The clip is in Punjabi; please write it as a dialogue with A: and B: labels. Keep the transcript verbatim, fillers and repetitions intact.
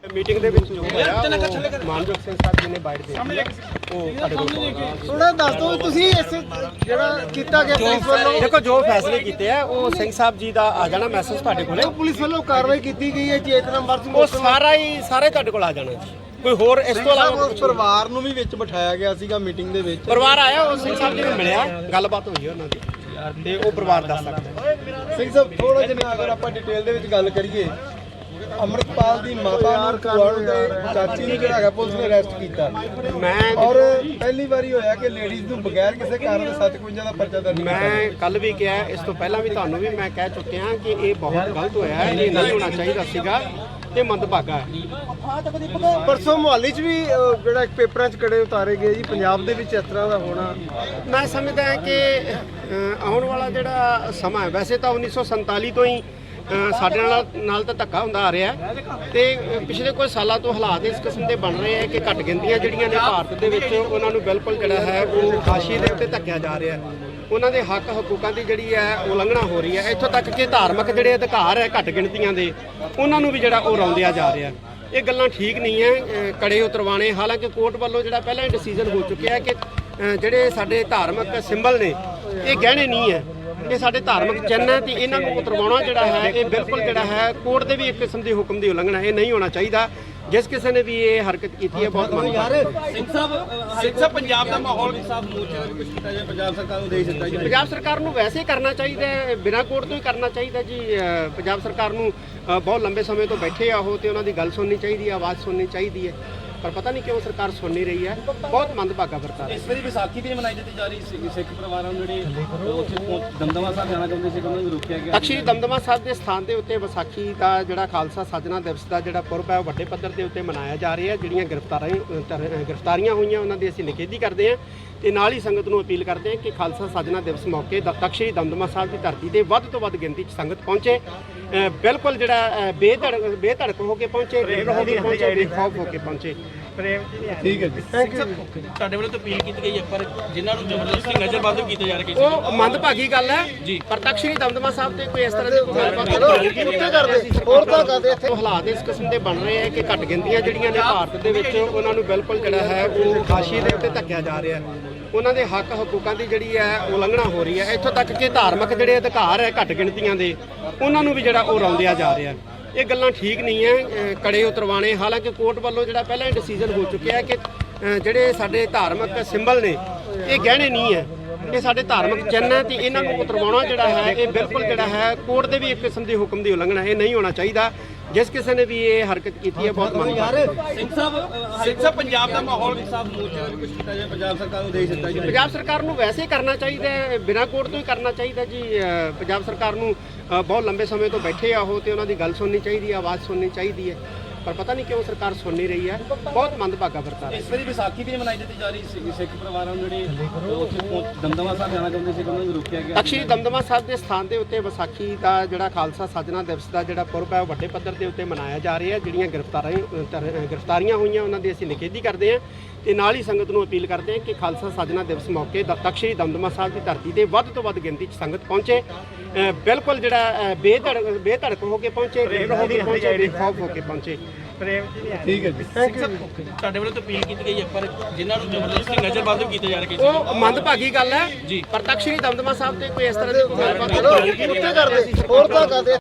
A: मीटिंग ਦੇ ਵਿੱਚ ਜੋ ਹੋਇਆ ਉਹ ਮਾਨਯੋਗ ਸਿੰਘ ਸਾਹਿਬ ਜੀ ਨੇ ਬਾਈਟ ਦੇ ਦਿੱਤੀ ਉਹ ਸਾਡੇ ਕੋਲ
B: ਥੋੜਾ ਦੱਸ ਦਿਓ ਤੁਸੀਂ ਇਸ ਜਿਹੜਾ ਕੀਤਾ ਗਿਆ ਪੁਲਿਸ ਵੱਲੋਂ।
A: ਦੇਖੋ ਜੋ ਫੈਸਲੇ ਕੀਤੇ ਆ ਉਹ ਸਿੰਘ ਸਾਹਿਬ ਜੀ ਦਾ ਆ ਜਾਣਾ ਮੈਸੇਜ ਤੁਹਾਡੇ ਕੋਲੇ।
B: ਪੁਲਿਸ ਵੱਲੋਂ ਕਾਰਵਾਈ ਕੀਤੀ ਗਈ ਹੈ ਚੇਤਨਾ ਮਰਦ
A: ਉਹ ਸਾਰਾ ਹੀ ਸਾਰੇ ਤੁਹਾਡੇ ਕੋਲ ਆ ਜਾਣਾ ਜੀ। ਕੋਈ ਹੋਰ ਇਸ ਤੋਂ ਇਲਾਵਾ
B: ਉਸ ਪਰਿਵਾਰ ਨੂੰ ਵੀ ਵਿੱਚ ਬਿਠਾਇਆ ਗਿਆ ਸੀਗਾ ਮੀਟਿੰਗ ਦੇ ਵਿੱਚ।
A: ਪਰਿਵਾਰ ਆਇਆ ਉਹ ਸਿੰਘ ਸਾਹਿਬ ਜੀ ਨੂੰ ਮਿਲਿਆ ਗੱਲਬਾਤ ਹੋਈ ਉਹਨਾਂ ਦੀ ਤੇ ਉਹ ਪਰਿਵਾਰ ਦੱਸ ਸਕਦਾ।
B: ਸਿੰਘ ਸਾਹਿਬ ਥੋੜਾ ਜਿਹਾ ਅਗਰ ਆਪਾਂ ਡਿਟੇਲ ਦੇ ਵਿੱਚ ਗੱਲ ਕਰੀਏ, ਅੰਮ੍ਰਿਤਪਾਲ ਦੀ ਮਾਤਾ ਨੂੰ ਕੁਆਰਨ ਦੇ ਚਾਚੀ ਨੂੰ ਜਿਹੜਾ ਹੈਗਾ ਪੁਲਿਸ ਨੇ ਅਰੈਸਟ ਕੀਤਾ
A: ਮੈਂ
B: ਔਰ ਪਹਿਲੀ ਵਾਰੀ ਹੋਇਆ ਕਿ ਲੇਡੀਜ਼ ਨੂੰ ਬਗੈਰ ਕਿਸੇ ਕਾਰਨ ਦੇ ਸੱਤ ਇਕਵੰਜਾ ਦਾ ਪਰਚਾ ਦਰਜ ਕੀਤਾ।
A: ਮੈਂ ਕੱਲ ਵੀ ਕਿਹਾ, ਇਸ ਤੋਂ ਪਹਿਲਾਂ ਵੀ ਤੁਹਾਨੂੰ ਵੀ ਮੈਂ ਕਹਿ ਚੁੱਕਿਆ ਕਿ ਇਹ ਬਹੁਤ ਗਲਤ ਹੋਇਆ ਹੈ, ਇਹ ਨਹੀਂ ਹੋਣਾ ਚਾਹੀਦਾ ਸੀਗਾ, ਇਹ ਮੰਦਭਾਗਾ ਹੈ।
B: ਪਰਸੋਂ ਮੁਹਾਲੀ 'ਚ ਵੀ ਅਹ, ਜਿਹੜਾ ਇੱਕ ਪੇਪਰਾਂ 'ਚ ਕੜੇ ਉਤਾਰੇ ਗਏ ਜੀ, ਪੰਜਾਬ ਦੇ ਵਿੱਚ ਇਸ ਤਰ੍ਹਾਂ ਦਾ ਹੋਣਾ।
A: ਮੈਂ ਸਮਝਦਾ ਹਾਂ ਕਿ ਅ, ਆਉਣ ਵਾਲਾ ਜਿਹੜਾ ਸਮਾਂ ਹੈ, ਵੈਸੇ ਤਾਂ ਉੱਨੀ ਸੌ ਸੰਤਾਲੀ ਤੋਂ ਹੀ ਅ, ਸਾਡੇ ਨਾਲ ਨਾਲ ਤਾਂ ਧੱਕਾ ਹੁੰਦਾ ਆ ਰਿਹਾ ਤੇ ਪਿਛਲੇ ਕੁਝ ਸਾਲਾਂ ਤੋਂ ਹਾਲਾਤ ਇਸ ਕਿਸਮ ਦੇ ਬਣ ਰਹੇ ਆ ਕਿ ਘੱਟ ਗਿਣਤੀਆਂ ਜਿਹੜੀਆਂ ਨੇ ਭਾਰਤ ਦੇ ਵਿੱਚ ਉਹਨਾਂ ਨੂੰ ਬਿਲਕੁਲ ਜਿਹੜਾ ਹੈ ਉਹ ਫਾਸ਼ੀ ਦੇ ਉੱਤੇ ਧੱਕਿਆ ਜਾ ਰਿਹਾ, ਉਹਨਾਂ ਦੇ ਹੱਕ ਹਕੂਕਾਂ ਦੀ ਜਿਹੜੀ ਹੈ ਉਲੰਘਣਾ ਹੋ ਰਹੀ ਹੈ। ਇੱਥੋਂ ਤੱਕ ਕਿ ਧਾਰਮਿਕ ਜਿਹੜੇ ਅਧਿਕਾਰ ਹੈ ਘੱਟ ਗਿਣਤੀਆਂ ਦੇ ਉਹਨਾਂ ਨੂੰ ਵੀ ਜਿਹੜਾ ਉਹ ਰੌਂਦਿਆ ਜਾ ਰਿਹਾ। ਇਹ ਗੱਲਾਂ ਠੀਕ ਨਹੀਂ ਹੈ ਕੜੇ ਉਤਰਵਾਣੇ। ਹਾਲਾਂਕਿ ਕੋਰਟ ਵੱਲੋਂ ਜਿਹੜਾ ਪਹਿਲਾਂ ਹੀ ਡਿਸੀਜਨ ਹੋ ਚੁੱਕਿਆ ਕਿ ਜਿਹੜੇ ਸਾਡੇ ਧਾਰਮਿਕ ਸਿੰਬਲ ਨੇ ਇਹ ਗਹਿਣੇ ਨਹੀਂ ਹੈ, ਇਹ ਸਾਡੇ ਧਾਰਮਿਕ ਚਿੰਨ੍ਹ ਹੈ ਤੇ ਇਹਨਾਂ ਨੂੰ ਉਤਰਵਾਉਣਾ ਜਿਹੜਾ ਹੈ ਇਹ ਬਿਲਕੁਲ ਜਿਹੜਾ ਹੈ ਕੋਰਟ ਦੇ ਵੀ ਇੱਕ ਕਿਸਮ ਦੀ ਹੁਕਮ ਦੀ ਉਲੰਘਣਾ, ਇਹ ਨਹੀਂ ਹੋਣਾ ਚਾਹੀਦਾ। ਜਿਸ ਕਿਸੇ ਨੇ ਵੀ ਇਹ ਹਰਕਤ ਕੀਤੀ ਹੈ ਬਹੁਤ ਮੰਨ
C: ਸਿੰਘ ਸਾਹਿਬ ਸਿੰਘ ਸਾਹਿਬ ਪੰਜਾਬ ਦਾ ਮਾਹੌਲ ਸਾਹਿਬ ਮੋਰਚੇ ਦਾ ਵੀ ਕੁਝ ਕੀਤਾ ਜਾਏ, ਪੰਜਾਬ ਸਰਕਾਰ ਨੂੰ ਦੇ ਦਿੱਤਾ ਜਾਏ।
A: ਪੰਜਾਬ ਸਰਕਾਰ ਨੂੰ ਵੈਸੇ ਕਰਨਾ ਚਾਹੀਦਾ ਹੈ, ਬਿਨਾਂ ਕੋਰਟ ਤੋਂ ਹੀ ਕਰਨਾ ਚਾਹੀਦਾ ਜੀ। ਅ, ਪੰਜਾਬ ਸਰਕਾਰ ਨੂੰ ਅ, ਬਹੁਤ ਲੰਬੇ ਸਮੇਂ ਤੋਂ ਬੈਠੇ ਆ ਉਹ ਤੇ ਉਹਨਾਂ ਦੀ ਗੱਲ ਸੁਣਨੀ ਚਾਹੀਦੀ ਹੈ, ਆਵਾਜ਼ ਸੁਣਨੀ ਚਾਹੀਦੀ ਹੈ, ਪਰ ਪਤਾ ਨਹੀਂ ਕਿਉਂ ਸਰਕਾਰ ਸੁਣ ਨਹੀਂ ਰਹੀ ਹੈ। ਬਹੁਤ ਮੰਦਭਾਗਾ ਵਰਤਾਰਾ।
C: ਇਸ ਵਾਰੀ ਵਿਸਾਖੀ ਵੀ ਮਨਾਈ ਦਿੱਤੀ ਜਾ ਰਹੀ ਸੀ, ਸਿੱਖ ਪਰਿਵਾਰਾਂ ਨੂੰ ਜਿਹੜੇ ਉੱਥੇ ਪਹੁੰਚ- ਦਮਦਮਾ ਸਾਹਿਬ ਜਾਣਾ ਚਾਹੁੰਦੇ ਸੀ ਉਹਨਾਂ ਨੂੰ ਰੋਕਿਆ ਗਿਆ।
A: ਤਖ਼ਤ ਸ੍ਰੀ ਦਮਦਮਾ ਸਾਹਿਬ ਦੇ ਸਥਾਨ ਦੇ ਉੱਤੇ ਵਿਸਾਖੀ ਦਾ ਜਿਹੜਾ ਖਾਲਸਾ ਸਾਜਨਾ ਦਿਵਸ ਦਾ ਜਿਹੜਾ ਪੁਰਬ ਹੈ ਉਹ ਵੱਡੇ ਪੱਧਰ ਦੇ ਉੱਤੇ ਮਨਾਇਆ ਜਾ ਰਿਹਾ ਹੈ। ਜਿਹੜੀਆਂ ਗ੍ਰਿਫਤਾਰੀਆਂ ਗ੍ਰਿਫਤਾਰੀਆਂ ਹੋਈਆਂ ਉਹਨਾਂ ਦੀ ਅਸੀਂ ਨਿਖੇਧੀ ਕਰਦੇ ਹਾਂ ਤੇ ਨਾਲ ਹੀ ਸੰਗਤ ਨੂੰ ਅਪੀਲ ਕਰਦੇ ਹਾਂ ਕਿ ਖਾਲਸਾ ਸਾਜਨਾ ਦਿਵਸ ਮੌਕੇ ਤਖ਼ਤ ਸ੍ਰੀ ਦਮਦਮਾ ਸਾਹਿਬ ਦੀ ਧਰਤੀ ਤੇ ਵੱਧ ਤੋਂ ਵੱਧ ਗਿਣਤੀ 'ਚ ਸੰਗਤ ਪਹੁੰਚੇ, ਅ, ਬਿਲਕੁਲ ਜਿਹੜਾ ਬੇਧੜਕ ਬੇਧੜਕ ਹੋ ਕੇ ਪਹੁੰਚੇ, ਬੇਖੌਫ ਪਹੁੰਚੇ ਬੇਖੌਫ ਹੋ ਕੇ ਪਹੁੰਚੇ।
B: ਠੀਕ ਹੈ ਜੀ, ਥੈਂਕ ਯੂ।
C: ਤੁਹਾਡੇ ਵੱਲੋਂ ਤਾਂ ਅਪੀਲ ਕੀਤੀ ਗਈ ਹੈ ਪਰ ਜਿਨ੍ਹਾਂ ਨੂੰ ਜ਼ਬਰਦਸਤੀ ਨਜ਼ਰਬੰਦ ਕੀਤੇ ਜਾ ਰਹੇ
A: ਉਹ ਮੰਦਭਾਗੀ ਗੱਲ ਹੈ ਜੀ। ਪਰ ਤਖ਼ਤ ਸ੍ਰੀ ਦਮਦਮਾ ਸਾਹਿਬ ਤੇ ਕੋਈ ਇਸ ਤਰ੍ਹਾਂ ਦੀ ਗੱਲਬਾਤ
B: ਉੱਤੇ ਕਰਦੇ ਹੋਰ ਤਾਂ ਕਰਦੇ ਇੱਥੇ।
A: ਉਹ ਹਾਲਾਤ ਇਸ ਕਿਸਮ ਦੇ ਬਣ ਰਹੇ ਆ ਕਿ ਘੱਟ ਗਿਣਤੀਆਂ ਜਿਹੜੀਆਂ ਨੇ ਭਾਰਤ ਦੇ ਵਿੱਚ ਉਹਨਾਂ ਨੂੰ ਬਿਲਕੁਲ ਜਿਹੜਾ ਹੈ ਉਹ ਫਾਸ਼ੀ ਦੇ ਉੱਤੇ ਧੱਕਿਆ ਜਾ ਰਿਹਾ, ਉਹਨਾਂ ਦੇ ਹੱਕ ਹਕੂਕਾਂ ਦੀ ਜਿਹੜੀ ਹੈ ਉਲੰਘਣਾ ਹੋ ਰਹੀ ਹੈ। ਇੱਥੋਂ ਤੱਕ ਕਿ ਧਾਰਮਿਕ ਜਿਹੜੇ ਅਧਿਕਾਰ ਹੈ ਘੱਟ ਗਿਣਤੀਆਂ ਦੇ ਉਹਨਾਂ ਨੂੰ ਵੀ ਜਿਹੜਾ ਉਹ ਰੌਂਦਿਆ ਜਾ ਰਿਹਾ। ਇਹ ਗੱਲਾਂ ਠੀਕ ਨਹੀਂ ਹੈ ਕੜੇ ਉਤਰਵਾਣੇ। ਹਾਲਾਂਕਿ ਕੋਰਟ ਵੱਲੋਂ ਜਿਹੜਾ ਪਹਿਲਾਂ ਹੀ ਡਿਸੀਜਨ ਹੋ ਚੁੱਕਿਆ ਕਿ ਜਿਹੜੇ ਸਾਡੇ ਧਾਰਮਿਕ ਸਿੰਬਲ ਨੇ ਇਹ ਗਹਿਣੇ ਨਹੀਂ ਹੈ, ਇਹ ਸਾਡੇ ਧਾਰਮਿਕ ਚਿੰਨ੍ਹ ਹੈ ਤੇ ਇਹਨਾਂ ਨੂੰ ਉਤਰਵਾਉਣਾ ਜਿਹੜਾ ਹੈ ਇਹ ਬਿਲਕੁਲ ਜਿਹੜਾ ਹੈ ਕੋਰਟ ਦੇ ਵੀ ਇੱਕ ਕਿਸਮ ਦੀ ਹੁਕਮ ਦੀ ਉਲੰਘਣਾ, ਇਹ ਨਹੀਂ ਹੋਣਾ ਚਾਹੀਦਾ। ਜਿਸ ਕਿਸੇ ਨੇ ਵੀ ਇਹ ਹਰਕਤ ਕੀਤੀ ਹੈ ਬਹੁਤ ਮੰਨ
C: ਸਿੰਘ ਸਾਹਿਬ ਸਿੰਘ ਸਾਹਿਬ ਪੰਜਾਬ ਦਾ ਮਾਹੌਲ ਸਾਹਿਬ ਮੋਰਚੇ ਦਾ ਵੀ ਕੁਝ ਕੀਤਾ ਜਾਏ, ਪੰਜਾਬ ਸਰਕਾਰ ਨੂੰ ਦੇ ਦਿੱਤਾ ਜਾਏ।
A: ਪੰਜਾਬ ਸਰਕਾਰ ਨੂੰ ਵੈਸੇ ਕਰਨਾ ਚਾਹੀਦਾ ਹੈ, ਬਿਨਾਂ ਕੋਰਟ ਤੋਂ ਹੀ ਕਰਨਾ ਚਾਹੀਦਾ ਜੀ। ਅ, ਪੰਜਾਬ ਸਰਕਾਰ ਨੂੰ ਅ, ਬਹੁਤ ਲੰਬੇ ਸਮੇਂ ਤੋਂ ਬੈਠੇ ਆ ਉਹ ਤੇ ਉਹਨਾਂ ਦੀ ਗੱਲ ਸੁਣਨੀ ਚਾਹੀਦੀ ਹੈ, ਆਵਾਜ਼ ਸੁਣਨੀ ਚਾਹੀਦੀ ਹੈ, ਪਰ ਪਤਾ ਨਹੀਂ ਕਿਉਂ ਸਰਕਾਰ ਸੁਣ ਨਹੀਂ ਰਹੀ ਹੈ। ਬਹੁਤ ਮੰਦਭਾਗਾ ਵਰਤਾਰਾ।
C: ਇਸ ਵਾਰੀ ਵਿਸਾਖੀ ਵੀ ਮਨਾਈ ਦਿੱਤੀ ਜਾ ਰਹੀ ਸੀ, ਸਿੱਖ ਪਰਿਵਾਰਾਂ ਨੂੰ ਜਿਹੜੇ ਉੱਥੇ ਪਹੁੰਚ- ਦਮਦਮਾ ਸਾਹਿਬ ਜਾਣਾ ਚਾਹੁੰਦੇ ਸੀ ਉਹਨਾਂ ਨੂੰ ਰੋਕਿਆ ਗਿਆ।
A: ਤਖ਼ਤ ਸ੍ਰੀ ਦਮਦਮਾ ਸਾਹਿਬ ਦੇ ਸਥਾਨ ਦੇ ਉੱਤੇ ਵਿਸਾਖੀ ਦਾ ਜਿਹੜਾ ਖਾਲਸਾ ਸਾਜਨਾ ਦਿਵਸ ਦਾ ਜਿਹੜਾ ਪੁਰਬ ਹੈ ਉਹ ਵੱਡੇ ਪੱਧਰ ਦੇ ਉੱਤੇ ਮਨਾਇਆ ਜਾ ਰਿਹਾ। ਜਿਹੜੀਆਂ ਗ੍ਰਿਫਤਾਰੀਆਂ ਗ੍ਰਿਫਤਾਰੀਆਂ ਹੋਈਆਂ ਉਹਨਾਂ ਦੀ ਅਸੀਂ ਨਿਖੇਧੀ ਕਰਦੇ ਹਾਂ ਤੇ ਨਾਲ ਹੀ ਸੰਗਤ ਨੂੰ ਅਪੀਲ ਕਰਦੇ ਹਾਂ ਕਿ ਖਾਲਸਾ ਸਾਜਨਾ ਦਿਵਸ ਮੌਕੇ ਤਖ਼ਤ ਸ੍ਰੀ ਦਮਦਮਾ ਸਾਹਿਬ ਦੀ ਧਰਤੀ ਤੇ ਵੱਧ ਤੋਂ ਵੱਧ ਗਿਣਤੀ 'ਚ ਸੰਗਤ ਪਹੁੰਚੇ, ਅ, ਬਿਲਕੁਲ ਜਿਹੜਾ ਬੇਧੜਕ ਬੇਧੜਕ ਹੋ ਕੇ ਪਹੁੰਚੇ, ਬੇਖੌਫ ਪਹੁੰਚੇ ਬੇਖੌਫ ਹੋ ਕੇ ਪਹੁੰਚੇ।
B: ਠੀਕ ਹੈ ਜੀ, ਥੈਂਕ ਯੂ।
C: ਤੁਹਾਡੇ ਵੱਲੋਂ ਤਾਂ ਅਪੀਲ ਕੀਤੀ ਗਈ ਹੈ ਪਰ ਜਿਨ੍ਹਾਂ ਨੂੰ ਜ਼ਬਰਦਸਤੀ ਨਜ਼ਰਬੰਦ ਕੀਤੇ ਜਾ ਰਹੇ
A: ਉਹ ਮੰਦਭਾਗੀ ਗੱਲ ਹੈ ਜੀ। ਪਰ ਤਖ਼ਤ ਸ੍ਰੀ ਦਮਦਮਾ ਸਾਹਿਬ ਤੇ ਕੋਈ ਇਸ ਤਰ੍ਹਾਂ ਦੀ ਗੱਲਬਾਤ
B: ਉੱਤੇ ਕਰਦੇ ਹੋਰ ਤਾਂ ਕਰਦੇ